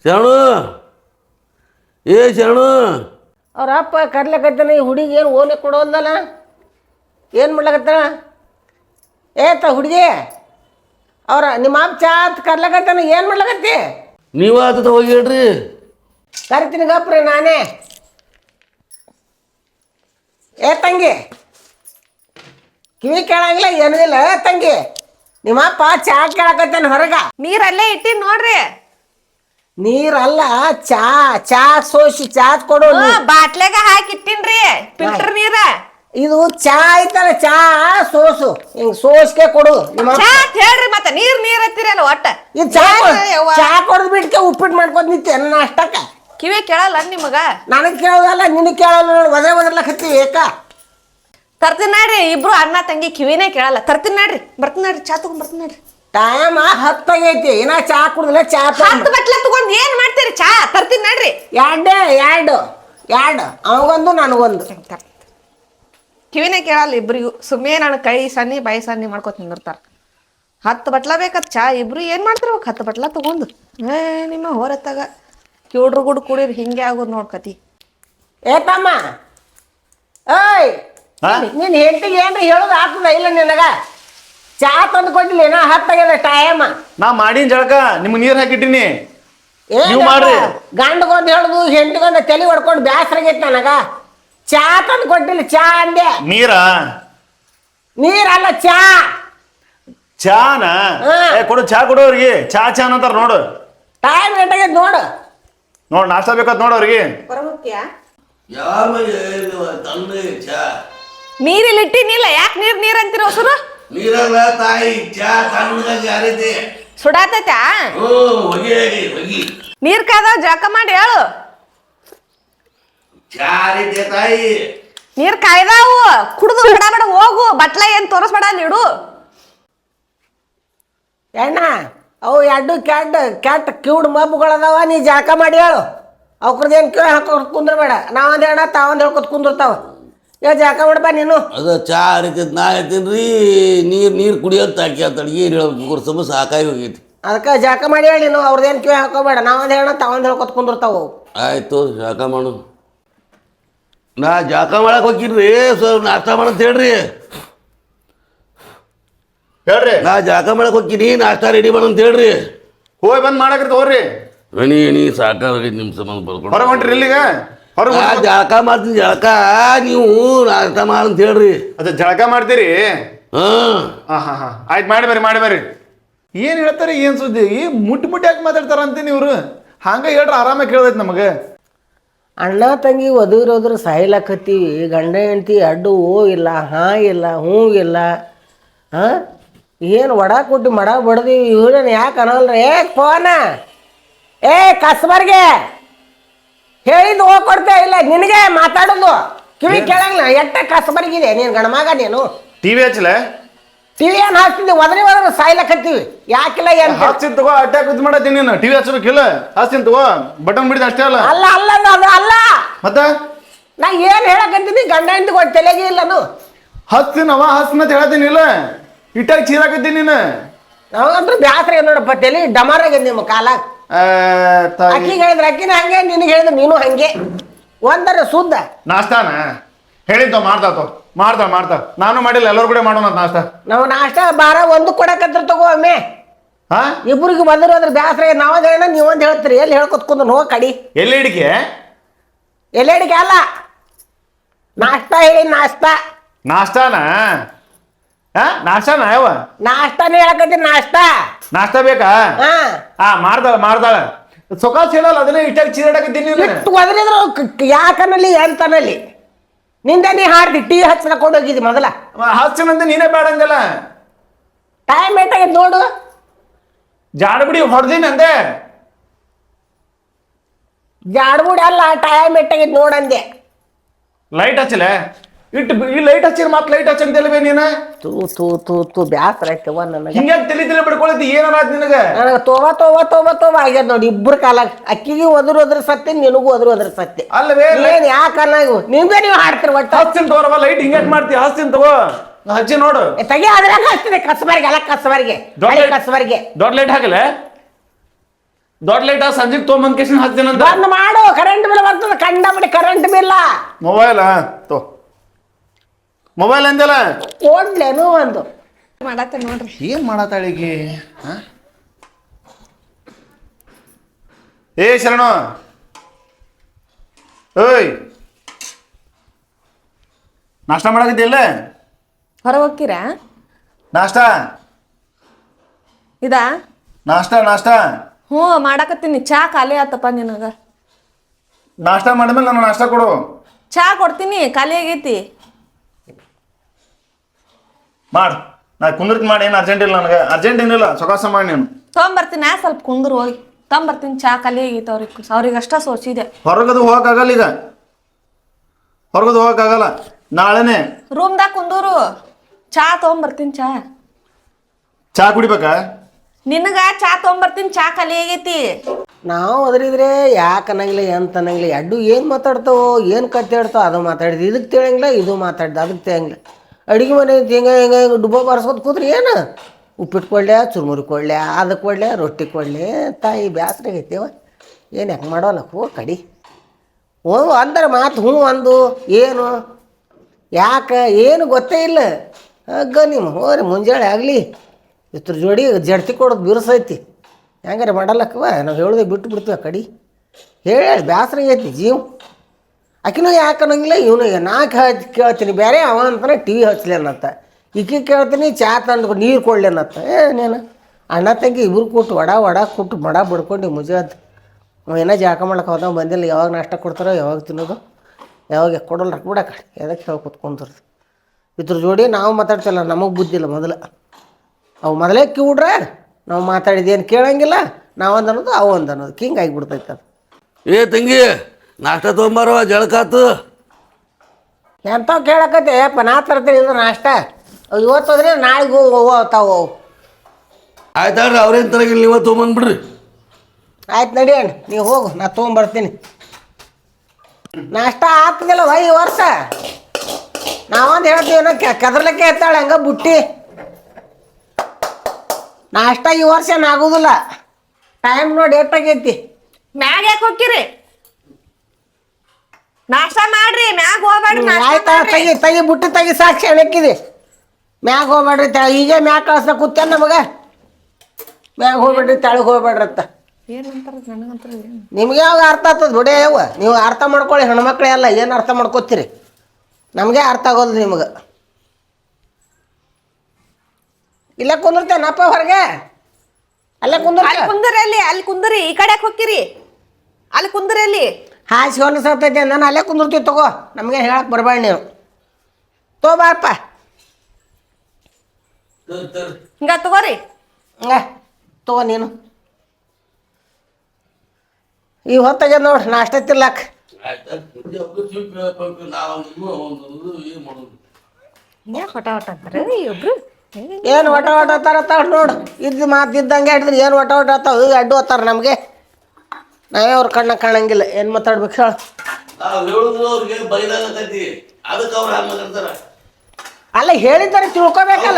ಶರಣು ಏ ಶರಣು ಅವ್ರ ಅಪ್ಪ ಕರ್ಲಕತ್ತಾನ. ಈ ಹುಡುಗಿ ಏನು ಓನೆ ಕೊಡೋದಲ್ಲ, ಏನು ಮಾಡ್ಲಕತ್ತಾನ? ಹುಡುಗಿ ಅವ್ರ ನಿಮ್ಮ ಅಪ್ಪ ಚಾ ಅಂತ ಕರ್ಲಕತ್ತಾನ, ಏನು ಮಾಡ್ಲಕತ್ತಿ? ನೀವು ಆತ ಹೋಗಿ ಹೇಳ್ರಿ. ಕರಿತೀನಿ ಗಪ್ರಿ ನಾನೇ. ತಂಗಿ ಕಿವಿ ಕೇಳಂಗಿಲ್ಲ ಏನೂ ಇಲ್ಲ. ತಂಗಿ ನಿಮ್ಮ ಅಪ್ಪ ಚಾ ಕೇಳಕತ್ತಾನ ಹೊರಗ. ನೀರಲ್ಲೇ ಇಟ್ಟಿ ನೋಡ್ರಿ. ನೀರಲ್ಲ, ಚಾ ಚಾ ಸೋಸಿ ಚಾ ಕೊಡು. ಬಾಟ್ಲೆಗ ಹಾಕಿ ಇಟ್ಟಿನ್ರಿ ಫಿಲ್ಟರ್ ನೀರ. ಇದು ಚಾ ಐತಲ್ಲ, ಚಾ ಸೋಸು ಹಿಂಗ್ ಸೋಸ್ಕೆ ಕೊಡು. ನಿಮ್ಮ ಚಾ ಹೇಳ್ರಿ, ಮತ್ತೆ ನೀರ್ ಹತ್ತಿರಲ್ಲ ಒಟ್ಟ. ಇದು ಚಾ ಕೊಡದ್ ಬಿಟ್ಕೆ ಉಪ್ಪಿಟ್ಟು ಮಾಡ್ಕೊತ ನಿಂತೆ ನನ್ನ ಅಷ್ಟಕ್ಕ. ಕಿವಿ ಕೇಳಲ್ಲ ನಿಮಗ? ನನಗ್ ಕೇಳೋದಲ್ಲ, ನಿನಗ್ ಕೇಳಲ್ಲ. ಒದರ್ಲಕತ್ತೀವಿ ಏಕ. ತರ್ತೀನಿ ನೋಡ್ರಿ, ಇಬ್ರು ಅಣ್ಣ ತಂಗಿ ಕಿವಿನೇ ಕೇಳಲ್ಲ. ತರ್ತೀನಿ ನೋಡ್ರಿ, ಬರ್ತೀನಿ ನೋಡ್ರಿ, ಚಾ ತಗೊಂಡ್ ಬರ್ತೀನಿ ನೋಡ್ರಿ. ಟೈಮ್ 10 ಆಗೈತಿ, ಇನ್ನ ಚಾ ಕುಡ್ದಿಲ್ಲ. ಚಾ 10 ಬಟ್ಲ ತಗೊಂಡ್ ಏನ್ ಮಾಡ್ತೀರಿ? ಚಾ ತರ್ತೀನಿ ನೋಡ್ರಿ. ಎರಡು ಅವಗೊಂದು ನನಗೊಂದು. ಕಿವಿನೇ ಕೇಳಲ್ಲ ಇಬ್ರಿಗೂ. ಸುಮ್ಮನೆ ನಾನು ಕೈ ಸನ್ನಿ ಬಾಯಿ ಸನ್ನಿ ಮಾಡ್ಕೊತ ನಿಂದಿರ್ತಾರ. 10 ಬಟ್ಲ ಬೇಕತ್ ಚಾ. ಇಬ್ರು ಏನ್ ಮಾಡ್ತಿರ್ಬೇಕು 10 ಬಟ್ಲ ತಗೊಂಡು? ನಿಮ್ಮ ಹೊರತಾಗ ಕಿವುಡ್ರು ಗುಡ್ ಕುಡಿರಿ, ಹಿಂಗೆ ಆಗೋದು ನೋಡ್ಕತಿ. ತಮ್ಮ, ಏಯ್ ನೀನ್ ಹೆಂಡತಿಗೆ ಏನ್ರ ಹೇಳೋದು ಆಗ್ತದ ಇಲ್ಲ ನಿನಗ? ಚಾ ತಂದು ಕೊಟ್ಟಿಲ್ಲ, ಏನೋ 10 ಆಗ್ಯದ ಟೈಮ್. ನಾ ಮಾಡಿನ ಜಳಕ ನಿಮ್ಗೆ ನೀರ್ ಹಾಕಿಟ್ಟಿನಿ. ಗಂಡಗೊಂದು ಹೇಳುದು, ಹೆಂಡಗೊಂದು ತಲೆ ಹೊಡ್ಕೊಂಡು ಬ್ಯಾಸರಾಗೈತಿ ನನಗ. ಚಾ ತಂದು ಕೊಟ್ಟಿಲ್ಲ, ಚಾ ಅಂದೆ. ನೀರಲ್ಲ, ಚಾ. ಚಾನ ಕೊಡು, ಚಾ ಕೊಡು ಅವ್ರಿಗೆ. ಚಾ ಅಂತಾರ ನೋಡು. ಟೈಮ್ ಎಷ್ಟಾಗೈತಿ ನೋಡು. ನಾಷ್ಟ ಬೇಕತ್ ನೋಡು ಅವ್ರಿಗೆ. ನೀರಿಲ್ಲಿ ಇಟ್ಟಿನಿಲ್ಲ, ಯಾಕೆ ನೀರ್ ಅಂತೀರ ಹೊಸರು? ನೀರಲ್ಲ ತಾಯಿ, ಚಾ ತಣ್ಣಗಾಗಿ ಯಾರೈತಿ ಸುಡಾತೈತ? ನೀರ್ ಕಾದಾವ, ಜಳಕ ಮಾಡಿ ಹೇಳು. ಚಾ ರೀತಿ ತಾಯಿ, ನೀರ್ ಕಾಯ್ದಾವು, ಕುಡ್ದು ಬಿಡ ಹೋಗು. ಬಟ್ಲ ಏನ್ ತೋರಿಸ್ಬೇಡ ಅಲ್ಲಿ ಇಡು. ಎಣ್ಣ ಅವು ಎರಡು ಕೆಟ್ಟ ಕಿವುಡ್ ಮಬ್ಬುಗಳದಾವ. ನೀ ಜಳಕ ಮಾಡಿ ಹೇಳು. ಅವ್ರದ್ದೇನು ಕಿವಿ ಹಾಕೋದ್ ಕುಂದ್ರಬೇಡ. ನಾವೊಂದು ಹೇಳ ತಾವೊಂದು ಹೇಳ್ಕೊತ ಕುಂದಿರ್ತಾವ. ಜಳಕ ಮಾಡಬಾ ನೀನು. ಅದ ಚಾ ಹರಿತೈತಿ, ನಾ ಹೇಳ್ತೀನಿ. ನೀರು ಕುಡಿಯೋದು ಹಾಕಿ ಅಂತ ಏನು ಹೇಳ್ಬೇಕು, ಸಮಸ್ಯೆ ಸಾಕಾಗಿ ಹೋಗೈತಿ. ಅದಕ್ಕೆ ಜಳಕ ಮಾಡಿ ಹೇಳಿ ನೀನು. ಅವ್ರದ್ದೇನು ಕಿವಿ ಹಾಕೋಬೇಡ. ನಾವೊಂದು ಹೇಳ ತಾವೊಂದು ಹೇಳ್ಕೊತ ಕುಂದಿರ್ತಾವ. ಆಯ್ತು, ಜಳಕ ಮಾಡು. ನಾ ಜಳಕ ಮಾಡಕ್ಕೆ ಹೋಗಿರ್ರಿ, ಸ್ವಲ್ಪ ನಾಷ್ಟ ಮಾಡಂತ ಹೇಳ್ರಿ. ನಾ ಜಳಕ ಮಾಡಕ್ಕೆ ಹೋಗ್ತೀನಿ, ನಾಷ್ಟ ರೆಡಿ ಮಾಡಂತ ಹೇಳ್ರಿ. ಹೋಗಿ ಬಂದ್ ಮಾಡಕ್ರಿ ತಗೋರಿ. ಎಣಿ ಸಾಕಾಗೈತಿ ನಿಮ್ಮ ಸಂಬಂಧ ಬರ್ಕೊಂಡು ಹೊರ ಹೊಂಟ್ರಿ ಇಲ್ಲಿಗ. ಜಳಕ ಮಾಡ್ತೀನಿ, ಜಳಕ ನೀವು ನಾಷ್ಟ ಮಾಡಂತ ಹೇಳ್ರಿ. ಅದ ಜಳಕ ಮಾಡ್ತೀರಿ? ಹಾ ಆಯ್ತು, ಮಾಡಿ ಬರ್ರಿ. ಏನ್ ಹೇಳ್ತಾರೆ, ಏನ್ ಸುದ್ದಿ? ಮುಟ್ಟಿ ಯಾಕೆ ಮಾತಾಡ್ತಾರ ಅಂತೀನಿ ಇವ್ರು. ಹಂಗ ಹೇಳ್ರಿ, ಆರಾಮಾಗಿ ಕೇಳ್ದೈತಿ ನಮಗೆ. ಅಣ್ಣ ತಂಗಿ ಒದಗಿರೋದ್ರ ಸಾಯ್ಲಾಕತ್ತೀವಿ. ಗಂಡ ಹೆಂಡ್ತಿ ಅಡ್ಡು ಹೋ ಇಲ್ಲ, ಹಾ ಇಲ್ಲ, ಹ್ಞೂ ಇಲ್ಲ. ಏನು ಒಡ ಕೊಟ್ಟು ಮಡ ಬಡ್ದೀವಿ. ಇವ್ರನ್ನ ಯಾಕೆ ಅನ್ನೋಲ್ರಿ? ಫೋನ ಕಸ್ಬರ್ಗೆ ಹೇಳಿದ್ದು ಹೋಗ್ಕೊಡ್ತೇ ಇಲ್ಲ. ನಿನಗೆ ಮಾತಾಡೋದು ಕಿವಿ ಕೇಳಂಗಿಲ್ಲ. ಎಟ್ಟ ಕಸ್ಬರ್ಗಿದೆ ನೀನು ಗಣಮಗ. ನೀನು ಟಿವಿ ಹಚ್ಚಲ? ಟಿವಿ ಏನು ಹಾಕ್ತಿದ್ವಿ? ಒದರಿ ಸಾಯ್ಲಕತ್ತೀವಿ. ಯಾಕಿಲ್ಲ ಏನು ಹಚ್ಚಿನ ತಗೋ, ಅಟ್ಯಾಕ್ ಇದು ಮಾಡತ್ತೀನಿ ನೀನು. ಟಿವಿ ಹಚ್ಚಬೇಕಿಲ್ಲ, ಹಚ್ಚಿನ ತಗೋ. ಬಟನ್ ಬಿಡಿದ ಅಷ್ಟೇ ಅಲ್ಲ. ಅಲ್ಲ ಅದು ಅಲ್ಲ. ಮತ್ತೆ ನಾ ಏನು ಹೇಳಕತ್ತೀನಿ? ಗಂಡ ಹೆಂಡತಿ ಕೊಟ್ಟು ತಲೆಗೆ ಇಲ್ಲನು. ಹಸ್ತಿನ ಹೇಳತ್ತೀನಿ ಇಲ್ಲ. ಇಟ್ಟಾಗ ಚೀರಾಕತ್ತೀನಿ ನೀನು. ನಾವಂದ್ರೂ ಬ್ಯಾಸ್ರ ನೋಡಪ್ಪ, ತಲೆ ಡಮಾರಾಗ ನಿಮ್ಮ ಕಾಲ. ಅಕ್ಕಿಗೆ ಹೇಳಿದ್ರೆ ಅಕ್ಕಿನ ಹಂಗೆ, ನಿನಗೆ ಹೇಳಿದ್ರೆ ನೀನು ಹಂಗೆ. ಒಂದರ ಶುದ್ಧ ನಾಷ್ಟಾನ ಹೇಳಿದ್ದ ಮಾಡ್ತಾವ. ನಾನು ಮಾಡಿಲ್ಲ, ಎಲ್ಲರೂ ಕೂಡ ಮಾಡೋಣ ನಾಷ್ಟ. ನಾವು ನಾಷ್ಟ ಬಾರ ಒಂದು ಕೊಡಕತ್ರ ತಗೋ ಒಮ್ಮೆ. ಇಬ್ಬರಿಗೆ ಬಂದರು ಅದ್ರ ಬ್ಯಾಸ್ರ. ನಾವೊಂದು ಹೇಳ, ನೀವೊಂದು ಹೇಳ್ತೀರಿ. ಎಲ್ಲಿ ಹೇಳ್ಕೊತ್ಕೊಂಡು ಹೋಗಿ ಕಡಿ. ಎಲ್ಲಿ ಅಡಿಕೆ ಅಲ್ಲ, ನಾಷ್ಟ ಹೇಳಿ. ನಾಷ್ಟಾನ ಯಾವ ನಾಷ್ಟಾನೇ ಹೇಳಕತ್ತೀನಿ. ನಾಷ್ಟ ಬೇಕಾ? ಮಾಡ್ದಾಳ ಸೊಕಾಸ್ ಹೇಳಲ್ಲ, ಅದನ್ನೇ ಇಟ್ಟಾಗ ಚೀರಾಡಕತ್ತೀನಿ. ಒದರಿದ್ರು ಯಾಕನಲ್ಲಿ ಅಂತನಲ್ಲಿ ನಿಂದ ನೀ ಹಾಡ್ದಿ. ಟಿವಿ ಹಚ್ಚ ಕೊಂಡೋಗಿದ್ದಿ ಮೊದಲ. ಹಚ್ಚನಂತ ನೀನೇ ಬೇಡ ಅಂದಲ್ಲ. ಟೈಮ್ ಏಟಾಗಿದ್ ನೋಡು. ಜಾಡ್ಬಿಡಿ ಹೊಡೆದಿನಿ ಅಂದೆ. ಜಾಡ್ಬುಡಿ ಅಲ್ಲ, ಟೈಮ್ ಏಟಾಗಿದ್ ನೋಡಂದೆ. ಲೈಟ್ ಹಚ್ಚಲೆ ಈ ಲೈಟ್ ಹಚ್ಚಿರ ಮತ್ತೆ ಲೈಟ್ ಹಚ್ಚಂತಲ್ವೇ ನೀನು? ತೂ ಬ್ಯಾಸರ ಆಯ್ತವ ನನಗೆ. ಹಿಂಗೆ ತಲೆ ಬಿಡ್ಕೊಳತಿ. ಏನಾರ ನಿನಗೆ? ನನಗೆ ತೋವ ಆಗ್ಯದ ನೋಡಿ. ಇಬ್ಬರು ಕಾಲಾಗ ಅಕ್ಕಿಗೆ ಒದ್ರ ಸತ್ಯ, ನಿನಗೂ ಒದ್ರ ಸತ್ಯ. ಅಲ್ಲವೇ ಏನ್ ಯಾಕಲ್ಲ ನಿಮ್ಗೆ ನೀವು ಹಾಡ್ತೀರಿ. ಒಟ್ಟು ಹಚ್ಚಿನ ತಗೋರವ ಲೈಟ್ ಹಿಂಗೆ ಮಾಡ್ತೀವಿ. ಹಚ್ಚಿನ ತಗೋ, ಹಚ್ಚಿ ನೋಡು. ತೆಗಿ ಅದ್ರಾಗ ಹಚ್ತೀನಿ. ಕಸಬಾರಿಗೆ ಅಲ್ಲ, ಕಸಬಾರಿಗೆ. ದೊಡ್ಡ ಲೈಟ್ ಹಾಕಲೆ. ದೊಡ್ಡ ಲೈಟ್ ಸಂಜೆಗೆ ತೊಗೊಂಬಂದ್ ಕೇಶನ್ ಹಾಕ್ತೇನಂತ. ಬಂದ್ ಮಾಡು, ಕರೆಂಟ್ ಬಿಲ್ ಬರ್ತದೆ, ಕಂಡಬಿಡಿ ಕರೆಂಟ್ ಬಿಲ್ಲ. ಮೊಬೈಲ್ ತೋ ಮೊಬೈಲ್ ಅಂದಲ್ಲ ಕೊಡ್ಲೇನು ಒಂದು ಮಾಡತ್ತೆ ನೋಡ್ರಿ. ಏನ್ ಮಾಡತ್ತಾಳಿಗೆ? ಏ ಶರಣು, ಓಯ್ ನಾಷ್ಟ ಮಾಡಾಕತ್ತಿಲ್ಲ? ಹೊರಗೆ ಹೋಗ್ತೀರಾ? ನಾಷ್ಟ ಇದಾ ನಾಷ್ಟ ನಾಷ್ಟ ಹ್ಞೂ ಮಾಡಾಕತ್ತೀನಿ. ಚಾ ಖಾಲಿ ಆತಪ್ಪ ನಿನಗ. ನಾಷ್ಟ ಮಾಡಿದ್ಮೇಲೆ ನಾನು ನಾಷ್ಟ ಕೊಡು. ಚಾ ಕೊಡ್ತೀನಿ, ಖಾಲಿ ಆಗೈತಿ. ಮಾಡು, ನಾ ಕುಂದಿರ್ತಿ ಮಾಡಿ. ಏನು ಅರ್ಜೆಂಟ್ ಇಲ್ಲ ನನಗೆ, ಅರ್ಜೆಂಟ್ ಏನಿಲ್ಲ, ಸೊಕಾಸ ಮಾಡಿ ನೀನು. ತೊಗೊಂಬರ್ತೀನಿ, ಸ್ವಲ್ಪ ಕುಂದ್ರು ಹೋಗಿ ತೊಗೊಂಬರ್ತೀನಿ. ಚಾ ಖಾಲಿ ಆಗೈತೆ ಅವ್ರಿಗೆ ಅಷ್ಟ ಸೋಚಿದೆ. ಹೊರಗದು ಹೋಗಕ್ಕಾಗಲ್ಲ ಈಗ, ಹೊರಗದು ಹೋಗಕ್ಕಾಗಲ್ಲ. ನಾಳೆನೆ ರೂಮ್ದಾಗ ಕುಂದೂರು, ಚಾ ತೊಗೊಂಬರ್ತೀನಿ. ಚಾ ಕುಡಿಬೇಕಾ? ನಿನಗ ಚಾ ತೊಗೊಂಬರ್ತೀನಿ, ಚಾ ಖಾಲಿ ಆಗೈತಿ. ನಾವು ಅದ್ರಿದ್ರೆ ಯಾಕೆ ಅನ್ನಂಗಿಲ್ಲ, ಎಂತ ಅನ್ನಂಗಿಲ್ಲ. ಎಡ್ಡು ಏನು ಮಾತಾಡ್ತಾವೋ, ಏನು ಕತೆ ಹೇಳ್ತಾವ ಅದು ಮಾತಾಡಿದ್ವಿ. ಇದಕ್ಕೆ ತಿಳಂಗಿಲ್ಲ, ಇದು ಮಾತಾಡ್ದು ಅದಕ್ಕೆ ತಿಳಂಗಿಲ್ಲ. ಅಡುಗೆ ಮನೆ ಹಿಂಗೆ ಹಿಂಗೆ ಹಿಂಗೆ ಡುಬ್ಬ ಬಾರಿಸ್ಕೊತ ಕೂತ್ರಿ ಏನು ಉಪ್ಪಿಟ್ಟು ಕೊಡ್ಲೆ, ಚುರುಮುರಿ ಕೊಡ್ಲೆ, ಅದು ಕೊಡ್ಲೆ, ರೊಟ್ಟಿ ಕೊಡ್ಲೆ. ತಾಯಿ ಬ್ಯಾಸ್ರ ಆಗೈತೆವ, ಏನು ಯಾಕೆ ಮಾಡೋಲ್ಲ ಹೋ ಕಡಿ. ಹ್ಞೂ ಅಂದ್ರೆ ಮಾತು ಹ್ಞೂ ಅಂದು ಏನು ಯಾಕೆ ಏನು ಗೊತ್ತೇ ಇಲ್ಲ. ಹಗ್ಗ ನಿಮ್ಮ ಹೋರಿ ಮುಂಜಾನೆ ಆಗಲಿ ಇದ್ರ ಜೋಡಿ ಜಡ್ತಿ ಕೊಡೋದು ಬಿರುಸೈತಿ. ಹೆಂಗಾರೆ ಮಾಡಲ್ಲಕ್ಕವ, ನಾವು ಹೇಳೋದೇ ಬಿಟ್ಟು ಬಿಡ್ತೀವಿ ಆ ಕಡೆ. ಹೇಳಿ ಬ್ಯಾಸ್ರ ಆಗೈತಿ ಜೀವ. ಆಕಿನೂ ಯಾಕೆ ಅನ್ನಂಗಿಲ್ಲ, ಇವನು ನಾಲ್ಕು ಕೇಳ್ತೀನಿ ಬೇರೆ, ಅವ ಅಂತಾನೆ ಟಿ ವಿ ಹಚ್ಲೇನತ್ತ. ಈಕೆ ಕೇಳ್ತೀನಿ ಚಾ ತಂದು ನೀರು ಕೊಡ್ಲೇನತ್ತ. ನೀನು ಅಣ್ಣ ತಂಗಿ ಇಬ್ರು ಕೊಟ್ಟು ವಡ ಕೊಟ್ಟು ಮಡ ಬಿಡ್ಕೊಂಡು ಮುಜಾದ್ ಏನೋ ಜಾಕ ಮಾಡ್ಲಿಕ್ಕೆ ಹೋದ ಬಂದಿಲ್ಲ. ಯಾವಾಗ ನಾಷ್ಟ ಕೊಡ್ತಾರೋ, ಯಾವಾಗ ತಿನ್ನೋದು, ಯಾವಾಗ ಕೊಡೋಲ್ಲ ರೊಕ್ಕ ಬಿಡಕ್ಕ. ಎದಕ್ಕೆ ಹೇಳಿ ಕೂತ್ಕೊಂತರ್ದು ಇದ್ರ ಜೋಡಿ ನಾವು ಮಾತಾಡ್ತಿಲ್ಲ. ನಮಗೆ ಬುದ್ಧಿಲ್ಲ ಮೊದಲು. ಅವು ಮೊದಲೇ ಕಿವಿಡ್ರೆ ನಾವು ಮಾತಾಡಿದೇನು ಕೇಳಂಗಿಲ್ಲ. ನಾವೊಂದು ಅನ್ನೋದು ಅವು ಒಂದು ಅನ್ನೋದು ಹಿಂಗೆ ಆಗಿಬಿಡ್ತೈತೆ ಅದು. ಏ ತಂಗಿ, ನಾಷ್ಟ ತೊಗೊಂಬಾರವ, ಜಳಕಾತು. ಎಂಥವು ಕೇಳಕತ್ತೆ ಯಪ್ಪ, ನಾ ತರ್ತೀನಿ ಇದು ನಾಷ್ಟ. ಇವತ್ತು ಹೋದ್ರೆ ನಾಳೆಗೆ ಹೋಗ್ತಾವು. ಆಯ್ತಾಡ್ರಿ, ಅವ್ರೇನು ತರಗಿಲ್ಲ, ನೀವೇ ತೊಗೊಂಬಂದ್ಬಿಡ್ರಿ. ಆಯ್ತು ನಡಿಯಣ್ಣ, ನೀವು ಹೋಗು, ನಾ ತೊಗೊಂಬರ್ತೀನಿ. ನಾಷ್ಟ ಆಗ್ತದಿಲ್ಲ ಈ ವರ್ಷ. ನಾವೊಂದು ಹೇಳ್ತೀವಿ ಏನೋ ಕದ್ರಲಕ್ಕೆ ಎತ್ತಾಳೆ ಹಂಗೆ ಬುಟ್ಟಿ. ನಾಷ್ಟ ಈ ವರ್ಷ ಆಗೋದಿಲ್ಲ. ಟೈಮ್ ನೋಡಿ ಎಷ್ಟಾಗೈತಿ. ಮ್ಯಾಗ ಯಾಕೆ ಹೋಗ್ತೀರಿ? ನಾಷ್ಟ ಮಾಡ್ರಿ, ಮ್ಯಾಗ ಹೋಗ್ಬೇಡ್ರಿ. ಆಯ್ತಾ, ತೆಗಿ ಬುಟ್ಟಿ ತೆಗಿ, ಸಾಕ್ಷಿ ಅಣಕ್ಕಿದೆ. ಮ್ಯಾಗ ಹೋಗ್ಬೇಡ್ರಿ, ಈಗ ಮ್ಯಾಗ ಕಳ್ಸ ಕೂತೇನೆ ನಮಗೆ. ಮ್ಯಾಗ ಹೋಗ್ಬೇಡ್ರಿ, ತೆಳಗೆ ಹೋಗ್ಬೇಡ್ರತ್ತ. ಏನಂತಾರ ನನಗಂತಾರ ಏನು? ನಿಮ್ಗೆ ಯಾವಾಗ ಅರ್ಥ ಆಗ್ತದೆ ಬಿಡೇ ಯವ್ವ. ನೀವು ಅರ್ಥ ಮಾಡ್ಕೊಳ್ಳಿ, ಹೆಣ್ಮಕ್ಳೇ ಅಲ್ಲ. ಏನು ಅರ್ಥ ಮಾಡ್ಕೋತೀರಿ? ನಮಗೆ ಅರ್ಥ ಆಗೋದು ನಿಮಗೆ. ಇಲ್ಲೇ ಕುಂದಿರ್ತೇನಪ್ಪ ಹೊರಗೆ, ಅಲ್ಲೇ ಅಲ್ಲಿ ಕುಂದರಿ, ಅಲ್ಲಿ ಕುಂದರಿ. ಈ ಕಡೆ ಯಾಕೆ ಹೋಗ್ತೀರಿ? ಅಲ್ಲಿ ಕುಂದರಿ. ಅಲ್ಲಿ ಹಾಸಿ ಹೊಲಸತ್ತೈತೆ, ನಾನು ಅಲ್ಲೇ ಕುಂದಿರ್ತೀವಿ. ತಗೋ, ನಮಗೆ ಹೇಳಕ್ಕೆ ಬರಬೇಡ ನೀವು. ಬಾರಪ್ಪ, ಹಿಂಗ ತಗೋರಿ. ತಗೋ ನೀನು. ಈ ಹೊತ್ತಾಗೆ ನೋಡಿ ನಾಷ್ಟ ತಿರ್ಲಾಕ. ಹೊಟ ಅಂತಾರೆ ಇಬ್ರು. ಏನು ಒಟ ತರ ನೋಡು. ಇದ್ದು ಮಾತಿದ್ದಂಗೆ ಹಿಡಿದ್ರಿ ಏನು ಒಟ ಅತ್ತಾವ ಅಡ್ಡು ಹೋಗ್ತಾರೆ ನಮಗೆ. ನಾವೇ ಅವ್ರ ಕಣ್ಣ ಕಾಣಂಗಿಲ್ಲ. ಏನು ಮಾತಾಡ್ಬೇಕು ಹೇಳು? ಅಲ್ಲ ಹೇಳಿದ್ದಾರೆ ತಿಳ್ಕೊಬೇಕಲ್ಲ.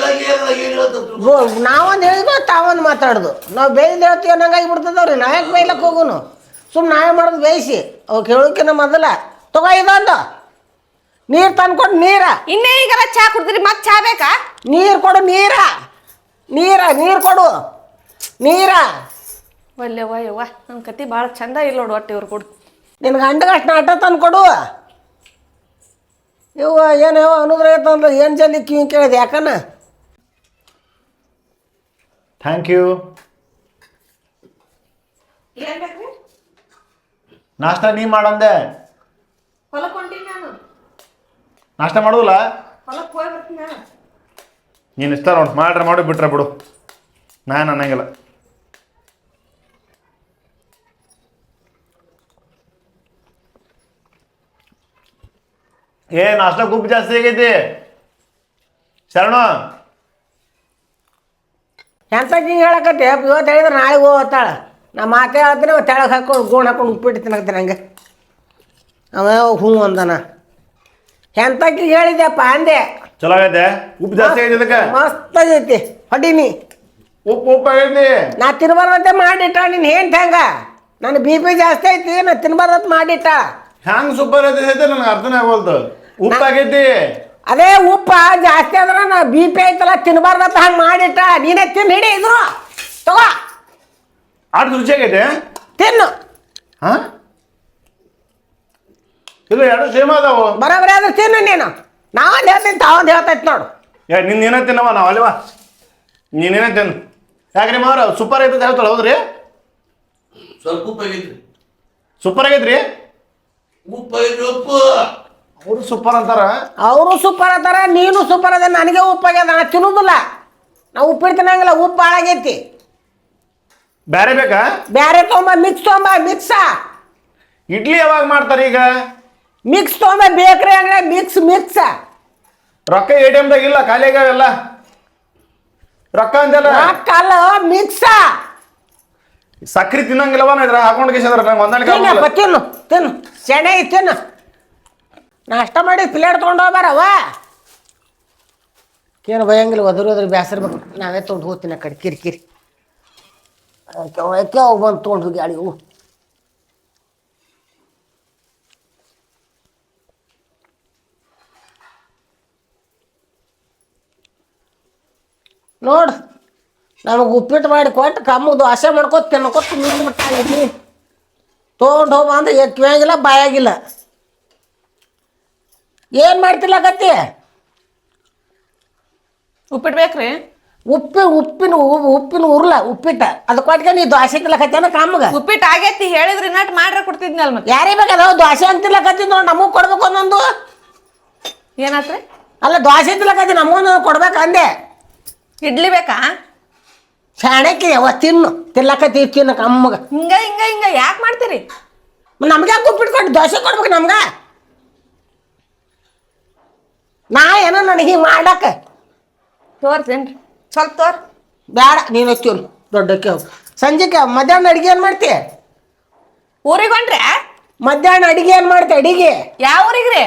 ನಾವೊಂದು ಹೇಳಿದ್ವು, ತಾವೊಂದು ಮಾತಾಡೋದು. ನಾವು ಬೇಯ್ದು ಹೇಳ್ತೀವಿ ಅನ್ನಂಗಾಗಿ ಬಿಡ್ತದವ್ರಿ. ನಾವ್ಯಾಕೆ ಬೇಯ್ಲಕ್ಕೆ ಹೋಗುನು? ಸುಮ್ಮನೆ ನಾವೇ ಮಾಡೋದು ಬೇಯಿಸಿ. ಅವ್ಕೆ ಹೇಳೋಕಿನ್ನ ಮೊದಲ ತಗೋ ಇದೊಂದು ನೀರು ತಂದ್ಕೊಡು. ನೀರ ಇನ್ನೇ ಈಗೆಲ್ಲ ಚಾ ಕುಡ್ತೀರಿ, ಮತ್ತೆ ಚಾ ಬೇಕಾ? ನೀರು ಕೊಡು. ನೀರು ಕೊಡು. ಒಲ್ಲೆ ಯವ್ವ, ನನ್ನ ಕತಿ ಭಾಳ ಚಂದ ಇಲ್ಲ ನೋಡು. ಒಟ್ಟು ಇವ್ರು ಕೊಡು. ನಿನ್ನ ಗಂಡಗಷ್ಟು ನಾಟ ತಂದು ಕೊಡು. ಇವ ಏನು ಅನ್ನೋದ್ರ ತಂದ್ರೆ ಏನು ಜಲ್ದಿ ಕಿವಿ ಕೇಳಿದೆ ಯಾಕನ? Thank you. ನಾಷ್ಟ ನೀ ಮಾಡಂದೆ. ಹೊಲಕ್ಕೆ ಹೊಂಟೀನಿ ನಾನು. ನಾಷ್ಟ ಮಾಡೋದಿಲ್ಲ? ಹೊಲಕ್ಕೆ ಹೋಗಿ ಬರ್ತೀನಿ ನಾನು. ನೀನು ಇಷ್ಟ ನೋಡಿ, ಮಾಡ್ರೆ ಮಾಡಿ ಬಿಟ್ರೆ ಬಿಡು, ನಾನು ಅನ್ನಂಗಿಲ್ಲ. ಏ ನಾಷ್ಟ ಗುಪ್ಪು ಜಾಸ್ತಿ ಆಗೈತಿ ಶರಣು. ಎಂತ ಹಿಂಗೆ ಹೇಳಕತ್ತೆ? ಇವತ್ತು ಹೇಳಿದ್ರೆ ನಾಳೆಗೆ ಹೋಗ್ತಾಳ. ನಾ ಮಾತೇ ಹೇಳ್ತೀನಿ, ತೆಳಗೆ ಹಾಕೊಂಡು ಗೋಣ್ ಹಾಕೊಂಡು ಉಪ್ಪಿಟ್ಟು ತಿನ್ನಕತ್ತೀನಿ ಹಂಗೆ. ಅವ ಹ್ಞೂ ಅಂದನ. ಎಂತಕ್ಕೆ ಹೇಳಿದೆಪ್ಪ ಅಂದೆ. ಚಲೋ ಆಗೈತೆ? ಉಪ್ಪು ಜಾಸ್ತಿ ಆಗೈತೆ ಇದಕ್ಕೆ? ಮಸ್ತ್ ಆಗೈತಿ. ಹೊಡೀನಿ. ಉಪ್ಪಾಗೈತಿ. ನಾ ತಿನ್ಬಾರ್ದಂತೆ ಮಾಡಿಟ್ಟ ನೀನು ಹೆಂಗೆ ಹೆಂಗ ನನ್ನ ಬಿ ಪಿ ಜಾಸ್ತಿ ಐತಿ ನಾ ತಿನ್ಬಾರ್ದಂತ ಮಾಡಿಟ್ಟ. ಹ್ಯಾಂಗ್ ಸೂಪರ್ ಐತಿ ನನಗೆ ಅರ್ಥನೇ ಆಗೋಲ್ತು. ಉಪ್ಪಾಗೈತಿ. ಅದೇ ಉಪ್ಪ ಜಾಸ್ತಿ ಅಂದ್ರೆ ನಾ ಬಿ ಪಿ ಐತಲ್ಲ ತಿನ್ಬಾರ್ದಂತ ಹಂಗೆ ಮಾಡಿಟ್ಟ. ನೀನೇ ತಿನ್ನು ಹಿಡಿ ಇದು ತಗೋ ಆಡ್ ರುಚಿಯಾಗೈತೆ. ತಿನ್ನು. ಹಾ ಇಲ್ಲ ಎರಡು ಸೇಮ್ ಅದಾವು. ಬರೋಬರಿ ಆದ್ರೆ ತಿನ್ನು ನೀನು. ನಾವೊಂದು ಹೇಳ್ತೀನಿ ತಾವೊಂದು ಹೇಳ್ತೈತಿ ನೋಡು. ನೀನೇನ ತಿನ್ನವ ನಾವು ಅಲ್ವಾ ನೀನೇನ ತಿನ್ನು. ಯಾಕ್ರಿ ಮಾವ್ರ ಸೂಪರ್ ಐತೆ ಹೇಳ್ತಾಳೆ. ಹೌದ್ರಿ ಸ್ವಲ್ಪ ಉಪ್ಪು ಆಗೈತ್ರಿ. ಸೂಪರ್ ಆಗೈತ್ರಿ. ಉಪ್ಪು ಆಗೈತ್ರಿ ಉಪ್ಪು. ಅವರು ಸೂಪರ್ ಅಂತಾರ. ಅವರು ಸೂಪರ್ ಅದಾರ ನೀನು ಸೂಪರ್ ಅದ. ನನಗೆ ಉಪ್ಪಾಗ್ಯದ ನಾ ತಿನ್ನೋದಿಲ್ಲ. ನಾ ಉಪ್ಪಿಟ್ಟು ತಿನ್ನಂಗಿಲ್ಲ. ಉಪ್ಪು ಭಾಳ ಆಗೈತಿ. ಬೇರೆ ಬೇಕಾ? ಬ್ಯಾರೆ ತೊಗೊಂಬ ಮಿಕ್ಸ. ಇಡ್ಲಿ ಯಾವಾಗ ಮಾಡ್ತಾರೆ ಈಗ? ಮಿಕ್ಸ್ ತೊಗೊಂಬ ಬೇಕ್ರಿ ಅಂಗಡಿ ಮಿಕ್ಸ್. ರೊಕ್ಕ ATM ದಾಗ ಇಲ್ಲ, ಖಾಲಿ ಆಗ್ಯಾವೆಲ್ಲ. ರೊಕ್ಕ ಅಂತೆಲ್ಲ ಕಲ್ಲ ಮಿಕ್ಸ. ಸಕ್ರಿ ತಿನ್ನಂಗಿಲ್ಲವ ಇದ್ರ ಹಾಕೊಂಡು ಕೇಸಿದ್ರ ನಂಗೆ ಹೊಂದಾಣಿಕೆ ತಿನ್ನು ಸೆಣೆ ತಿನ್ನು. ನಾಷ್ಟ ಮಾಡಿ ಪ್ಲೇಟ್ ತೊಗೊಂಡು ಹೋಗ್ಬಾರವ. ಏನು ಬಯಂಗಿಲ್ಲ ಒದ್ರ ಬೇಸರ್ಬೇಕು. ನಾವೇ ತೊಗೊಂಡು ಹೋಗ್ತೀನಿ ಆ ಕಡೆ ಕಿರಿಕಿರಿ ಅವು ಬಂದು ತೊಗೊಂಡು ಹೋಗಿ ಗಾಡಿ ಹೂ. ನೋಡು ನಮಗೆ ಉಪ್ಪಿಟ್ಟು ಮಾಡಿ ಕೊಟ್ಟು ಕಮ್ಮಗೆ ದೋಸೆ ಮಾಡ್ಕೊತ ತಿನ್ಕೋತ ನಿಂತ್ಬಿಟ್ಟಾಗಿದ್ನಿ. ತೊಗೊಂಡು ಹೋಗ ಅಂದ್ರೆ ಕಿವಿಯಾಗಿಲ್ಲ ಬಾಯಾಗಿಲ್ಲ. ಏನು ಮಾಡ್ತಿಲ್ಲಕತ್ತಿ? ಉಪ್ಪಿಟ್ಟು ಬೇಕ್ರಿ? ಉಪ್ಪಿನ ಉರ್ಲ ಉಪ್ಪಿಟ್ಟ ಅದು ಕೊಟ್ಗೆ ನೀ ದೋಸೆ ತಿಲ್ಲಕತ್ತೇನ ಕಮ್ಮಗೆ? ಉಪ್ಪಿಟ್ಟು ಆಗೈತಿ ಹೇಳಿದ್ರಿ ನಟ್ ಮಾಡ್ರೆ ಕೊಡ್ತಿದ್ನಲ್ ಮತ್ತೆ. ಯಾರೇ ಬೇಕಾದ ದೋಸೆ ಅಂತ ತಿಲ್ಲಕತ್ತಿ ನೋಡಿ ನಮಗೆ ಕೊಡ್ಬೇಕು ಒಂದೊಂದು. ಏನಾತ್ರಿ? ಅಲ್ಲ ದೋಸೆ ತಿಲ್ಲಕತ್ತಿ ನಮಗೊಂದು ಕೊಡ್ಬೇಕು ಅಂದೆ. ಇಡ್ಲಿ ಬೇಕಾ? ಶಾಣಕ್ಕೆ ತಿನ್ನು ತಿಲ್ಲಕತ್ತಿ ತಿನ್ನು ಕಮ್ಮಗೆ. ಹಿಂಗ ಯಾಕೆ ಮಾಡ್ತೀರಿ? ನಮ್ಗೆ ಯಾಕೆ ಉಪ್ಪಿಟ್ಟು ಕೊಟ್ಟು ದೋಸೆ ಕೊಡ್ಬೇಕು ನಮ್ಗೆ? ನಾ ಏನೋ ನನಗೆ ಹಿಂಗೆ ಮಾಡ್ಲಕ್ಕ ತೋರ್ಸೇನ್ರಿ ಸ್ವಲ್ಪ ತೋರ್. ಬೇಡ ನೀನು ತಿನ್ನು ದೊಡ್ಡಕ್ಕೆ ಹೋಗಿ. ಸಂಜೆಗೆ ಮಧ್ಯಾಹ್ನ ಅಡಿಗೆ ಏನು ಮಾಡ್ತಿ? ಊರಿಗೆ ಹೊಂಟ್ರೆ? ಮಧ್ಯಾಹ್ನ ಅಡಿಗೆ ಏನು ಮಾಡ್ತಿ? ಅಡಿಗೆ ಯಾವ ಊರಿಗ್ರಿ?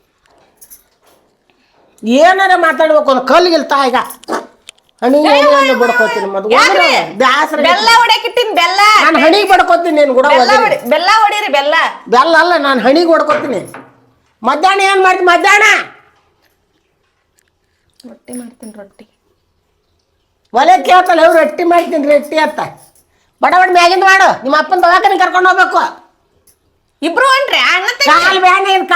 ಏನಾರ ಮಾತಾಡ್ಬೇಕು ಒಂದು ಕಲ್ಲಿಗಿಲ್ ತಾಯಿಗ ಹಣಿಗೆ ಬಡ್ಕೋತೀನಿ ಬ್ಯಾಸ್ರ. ಬೆಲ್ಲ ಹೊಡ್ಯಾಕಿಟ್ಟಿನ್ ಬೆಲ್ಲ. ನಾನು ಹಣಿಗೆ ಬಡ್ಕೋತೀನಿ ನೀನು ಕೂಡ. ಬೆಲ್ಲ ಹೊಡೀರಿ ಬೆಲ್ಲ. ಬೆಲ್ಲ ಅಲ್ಲ ನಾನು ಹಣಿಗೆ ಹೊಡ್ಕೋತೀನಿ. ಮಧ್ಯಾಹ್ನ ಏನು ಮಾಡ್ತೀನಿ? ಮಧ್ಯಾಹ್ನ ರೊಟ್ಟಿ ಮಾಡ್ತೀನಿ. ರೊಟ್ಟಿ ಒಲೆ ಕೇಳ್ತಲ್ಲ ಅವ್ರು ರೊಟ್ಟಿ ಮಾಡ್ತೀನಿ ರೊಟ್ಟಿ ಅಂತ ಬಡ ಮ್ಯಾಗಿಂದ ಮಾಡು. ನಿಮ್ಮ ಅಪ್ಪನ ದವಾಖಾನೆ ಕರ್ಕೊಂಡು ಹೋಗ್ಬೇಕು. ಇಬ್ರು ಹೊಂಟ್ರಿ? ಅಣ್ಣ ಕಾಲು ಬ್ಯಾನೆ ಏನು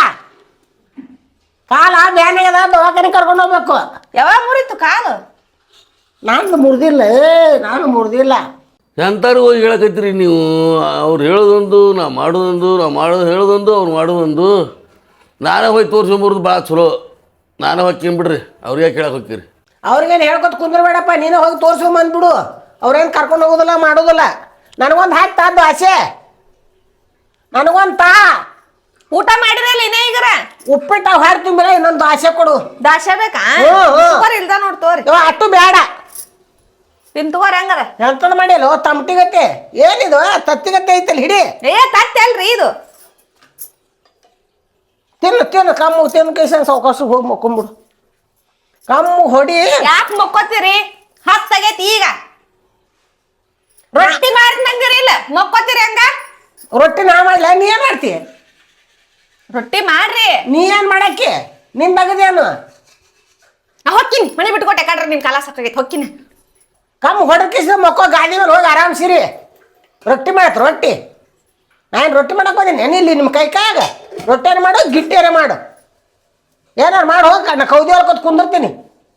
ಕಾಲ ಬ್ಯಾನೆ ಅದ ದವಾಖಾನೆ ಕರ್ಕೊಂಡು ಹೋಗ್ಬೇಕು. ಯಾವಾಗ ಮುರಿತು ಕಾಲು? ನಾನು ಮುರಿದಿಲ್ಲ. ಎಂತಾರು ಹೋಗಿ ಹೇಳಕತ್ತೀರಿ ನೀವು? ಅವ್ರು ಹೇಳೋದೊಂದು ನಾ ಮಾಡೋದೊಂದು, ಹೇಳೋದೊಂದು ಅವ್ರು ಮಾಡೋದೊಂದು. ನಾನೇ ಹೋಗಿ ತೋರಿಸ್ಕೊಂಬರೋದು ಭಾಳ ಚಲೋ. ನಾನೇ ಹೋಗ್ತೀನಿ ಬಿಡ್ರಿ. ಅವ್ರಿಗೆ ಕೇಳಕ್ಕೆ ಹೋಗ್ತೀರಿ? ಅವ್ರಿಗೇನು ಹೇಳ್ಕೊತ ಕುಂದ್ರಬೇಡಪ್ಪ. ನೀನೇ ಹೋಗಿ ತೋರಿಸ್ಕೊಂಬಂದ್ಬಿಡು. ಅವ್ರೇನು ಕರ್ಕೊಂಡು ಹೋಗೋದಿಲ್ಲ ಮಾಡೋದಿಲ್ಲ. ನನಗೊಂದು ಹಾಕ್ತಾ ದೋಸೆ ನನಗೊಂದು ಊಟ ಮಾಡಿರಲ್ಲ ಇನ್ನೇ ಈಗರ ಉಪ್ಪಿಟ್ಟು ಹಾಕಿ ತುಂಬಿಲ್ಲ. ಇನ್ನೊಂದು ದೋಸೆ ಕೊಡು. ದಾಸೆ ಬೇಕಾ? ಇಲ್ದ ನೋಡ್ ತೋರಿ. ಅಷ್ಟು ಬೇಡ. ತಿನ್ ತಗೋರಿ ಹಂಗಾರ. ಎಂತದ ಮಾಡಿಲ್ಲ ತಮಟಿಗತ್ತೆ. ಏನಿದು ತತ್ತಿಗತ್ತೆ ಐತಲ್ಲ ಹಿಡಿ. ತತ್ತಿ ಅಲ್ರಿ ಇದು. ತಿನ್ನು ಕಮ್ಮು ತಿನ್ನು ಕೈಸಂಗ ಸಾವಕಾಶ ಹೋಗಿ ಮಕ್ಕೊಂಬಿಡು. ಕಮ್ಮು ಹೊಡಿ. ಯಾಕೆ ಮಕ್ಕೋತೀರಿ? ಹತ್ತಾಗೈತಿ ಈಗ. ರೊಟ್ಟಿ ಮಾಡ್ತಂದಿರಿ ಇಲ್ಲ ಮಕ್ಕೋತೀರಿ ಹಂಗ? ರೊಟ್ಟಿ ನಾ ಮಾಡ್ಲ ನೀ ಏನ್ ಮಾಡ್ತಿ? ರೊಟ್ಟಿ ಮಾಡ್ರಿ. ನೀ ಏನ್ ಮಾಡಕ್ಕೆ ನಿನ್ ಬಗದೇನು? ನಾ ಹೊಕ್ಕಿನಿ ಮನೆ ಬಿಟ್ಕೊಟ್ಟೆ ಕಡ್ರಿ. ನಿನ್ ಕಾಲ ಸಾಕಾಗೈತಿ ಹೊಕ್ಕಿನಿ. ಕಮ್ಮು ಹೊಡಕಿಸ ಮಕ್ಕೋ ಗಾಡಿ ಮೇಲೆ ಹೋಗಿ ಆರಾಮ್ಸಿರಿ. ರೊಟ್ಟಿ ಮಾಡತ್ ರೊಟ್ಟಿ. ನಾನು ರೊಟ್ಟಿ ಮಾಡಕ್ಕೆ ಹೋದೀನಿ ಏನಿಲ್ಲ ನಿಮ್ಮ ಕಾಯಾಗ. ರೊಟ್ಟಿಯಾರ ಮಾಡು ಗಿಟ್ಟಿಯಾರ ಮಾಡು. ಏನಾರು ಮಾಡಿ ಹೋಗ. ನಾ ಕೌದಿ ಹೊಲ್ಕೊತ್ ಕುಂದಿರ್ತೀನಿ.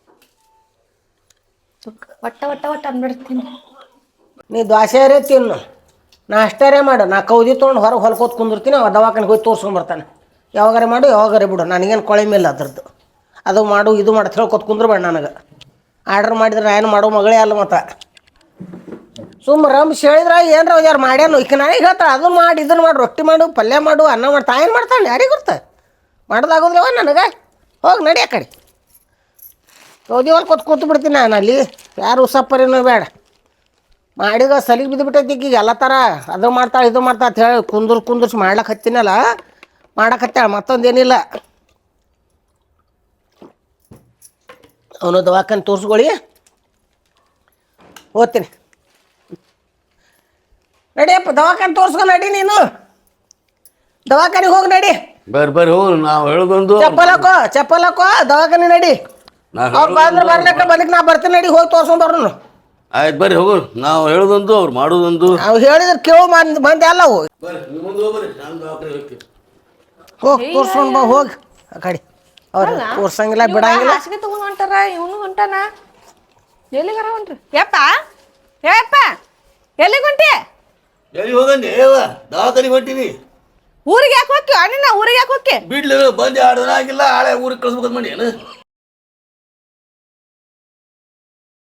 ಒಟ್ಟ ಅಂದ್ಬಿಡ್ತೀನಿ. ನೀ ದೋಸೆರೇ ತಿನ್ನು ನಾಷ್ಟಾರೇ ಮಾಡು. ನಾ ಕೌದಿ ತೊಗೊಂಡು ಹೊರಗೆ ಹೊಲ್ಕೋತ್ ಕುಂದಿರ್ತೀನಿ. ಅವ ದವಾಖಾನೆಗೆ ಹೋಗಿ ತೋರ್ಸ್ಕೊಂಬರ್ತಾನೆ. ಯಾವಾಗಾರ ಮಾಡು ಯಾವಾಗಾರ ಬಿಡು. ನನಗೇನು ಕೊಳೆ ಮೇಲೆ ಅದ್ರದ್ದು. ಅದು ಮಾಡು ಇದು ಮಾಡು ಹೇಳ್ಕೊತ ಕುಂದ್ರಬೇಡ. ನನಗೆ ಆರ್ಡ್ರ್ ಮಾಡಿದ್ರೆ ಏನು ಮಾಡೋ ಮಗಳೇ ಅಲ್ಲ ಮತ್ತು. ಸುಮ್ಮ ರಂಬ್ಸ್ ಹೇಳಿದ್ರೆ ಏನರ ಯಾರು ಮಾಡ್ಯಾನು ಈಗ ನನಗೆ ಹೇಳ್ತಾಳೆ ಅದನ್ನು ಮಾಡಿ ಇದನ್ನು ಮಾಡಿ ರೊಟ್ಟಿ ಮಾಡು ಪಲ್ಯ ಮಾಡು ಅನ್ನ ಮಾಡ್ತಾ ಏನು ಮಾಡ್ತಾಳೆ ಯಾರಿಗೆ ಗೊತ್ತ? ಮಾಡೋದಾಗೋದಿಲ್ಲವ ನನಗೆ. ಹೋಗಿ ನಡಿ ಆ ಕಡೆ. ಕೌದಿ ಹೊಲ್ಕೊತ್ ಕೂತು ಬಿಡ್ತೀನಿ ನಾನು ಅಲ್ಲಿ. ಯಾರು ಉಸಪ್ಪರೇನೋ ಬೇಡ. ಮಾಡಿದ ಸಲಿಗೆ ಬಿದ್ದುಬಿಟ್ಟೈತಿ ಈಗ ಎಲ್ಲ ಥರ. ಅದು ಮಾಡ್ತಾಳೆ ಇದು ಮಾಡ್ತಾ ಅಂತ ಹೇಳಿ ಕುಂದರ್ಸಿ ಮಾಡ್ಲಕ್ಕೆ ಹತ್ತಿನಲ್ಲ ಮಾಡಕ್ಕೆ ಹತ್ತಾಳೆ. ಮತ್ತೊಂದೇನಿಲ್ಲ. ಅವನು ದವಾಖಾನೆ ತೋರಿಸ್ಕೊಳ್ಳಿ. ಓದ್ತೀನಿ ನಡಿಯಪ್ಪ ದವಾಖಾನೆ ತೋರ್ಸ್ಕೊ ನಡಿ ನೀನು ದವಾಖಾನಿಗೆ ಹೋಗಿ ನಡಿ ಬರ್ರಿ ಹೋಗಿ ನಾವು ಹೇಳೋದೊಂದು ಚಪ್ಪಲ್ ಹಾಕೋ ದವಾಖಾನೆ ನಡಿ ಅವ್ರು ಬಂದ್ರೆ ಬರ್ಲಿಕ್ಕ ಬಂದಕ್ಕೆ ನಾ ಬರ್ತೀನಿ ನಡಿ ಹೋಗಿ ತೋರ್ಸ್ಕೊಂಡ್ ಬರೋನು ಆಯ್ತು ಬರ್ರಿ ಹೋಗು ನಾವು ಹೇಳೋದೊಂದು ಅವ್ರು ಮಾಡೋದೊಂದು ನಾವು ಹೇಳಿದ್ರೆ ಕೇಳೋ ಮಂದಿ ಅಲ್ಲ ಹೋಗಿ ಬರ್ರಿ ನೀವು ಮುಂದೆ ಹೋಗ್ರಿ ನಾನು ದವಾಖಾನೆ ಹೋಗ್ತೀನಿ ಹೋಗಿ ತೋರ್ಸ್ಕೊಂಡು ಬಾ ಹೋಗಿ ಆ ಕಡೆ ಅವ್ರು ತೋರ್ಸಂಗಿಲ್ಲ ಬಿಡಂಗಿಲ್ಲ ಹಾಸಿಗೆ ತಗೊಂಡ್ ಹೊಂಟಾರ ಇವನು ಹೊಂಟಾನ ಎಲ್ಲಿಗಾರ ಹೊಂಟ್ರಿ ಯಪ್ಪ ಯಪ್ಪ ಎಲ್ಲಿಗೆ ಹೊಂಟಿ ಎಲ್ಲಿ ಹೋಗಂడి ಏವ ದವಾಖಾನಿಗೆ ಹೊಂಟೀನಿ ಊರಿಗೆ ಯಾಕೆ ಹೋಗ್ತಿ ಅಣ್ಣ ಊರಿಗೆ ಯಾಕೆ ಹೋಗ್ತಿ ಬಿಡ್ಲಿ ಬಂದು 2 ದಿನ ಆಗಿಲ್ಲ ಹಳೆ ಊರಿಗೆ ಕಳಿಸ್ಬೇಕಂತ ಮಾಡಿ ಏನು